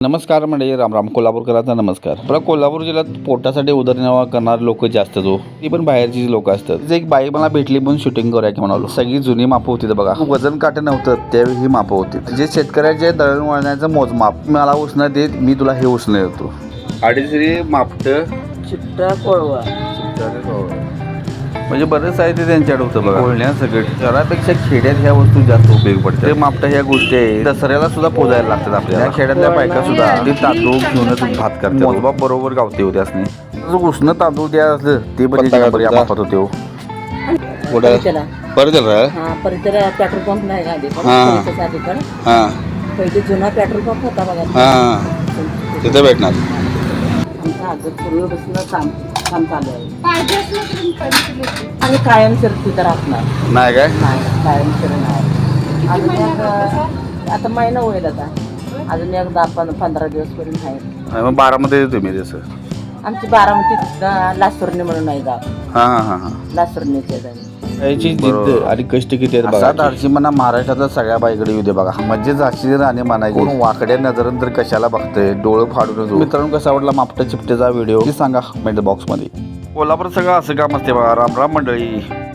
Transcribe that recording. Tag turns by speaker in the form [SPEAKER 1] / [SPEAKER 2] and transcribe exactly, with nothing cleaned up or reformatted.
[SPEAKER 1] नमस्कार मंडळी, राम राम. कोल्हापूरकरांचा नमस्कार. बरं, कोल्हापूर जिल्ह्यात पोटासाठी उदरनिर्वाह करणारे लोक जास्त हो, ती पण बाहेरची लोक असतात. तिथे एक बाई मला भेटली म्हणून शूटिंग करूया की म्हणालो. सगळी जुनी मापं होती बघा. वजन काटे नव्हतं त्यावेळी ही मापं होती. जे शेतकऱ्याचे दळण वळण्याचं मोजमाप. मला उसणं देत, मी तुला हे उसणं देतो. अडीचशे मापट
[SPEAKER 2] चिट्टा कोळवा
[SPEAKER 1] म्हणजे बरंच आहे ते त्यांच्याकडे होतं बघा. बोलण्या सगळं शहरापेक्षा खेड्यात ह्या वस्तू जास्त उपयोग पडतात. ते मापटा ह्या गोष्टी आहे दसऱ्याला सुद्धा पोजायला लागतात आपल्याला. खेड्यातल्या बायका सुद्धा ते तांदूळ घेऊनच भात करतात. मोजमाप बरोबर गावते होते असणे. उष्ण तांदूळ द्या असलं ते पण मापत होते हो. परत
[SPEAKER 2] पेट्रोल पंप नाही का
[SPEAKER 1] हां
[SPEAKER 2] पहिले जुना पेट्रोल पंप होता बघा.
[SPEAKER 1] हां तिथे भेटणार.
[SPEAKER 2] पूर्वीपासून काम काम चालू आहे आणि कायमस्वरूपी तर असणार
[SPEAKER 1] नाही काय
[SPEAKER 2] नाही कायमस्वरूपी नाही. अजून एक आता महिना होईल आता. अजून एक दहा पंधरा पंधरा दिवस पर्यंत आहे.
[SPEAKER 1] मग बारामध्ये तुम्ही तसं
[SPEAKER 2] आमची बारामतीत लासुर्णी म्हणून आहे गाव.
[SPEAKER 1] हां हां हां हां
[SPEAKER 2] लासुर्णीचे
[SPEAKER 1] याची जिद्द आणि कष्ट किती आहेत बघा. धाडशी म्हणा महाराष्ट्रातल्या सगळ्या बाईकडे येऊ दे बघा. म्हणजे झाशी राणे म्हणायची. वाकड्या नजरन तर कशाला बघतंय, डोळं फाडून. मित्रांनो, कसा आवडला मापटा चिपटेचा व्हिडिओ सांगा कमेंट बॉक्स मध्ये. कोल्हापूर सगळं असं काम असते बघा. राम राम मंडळी.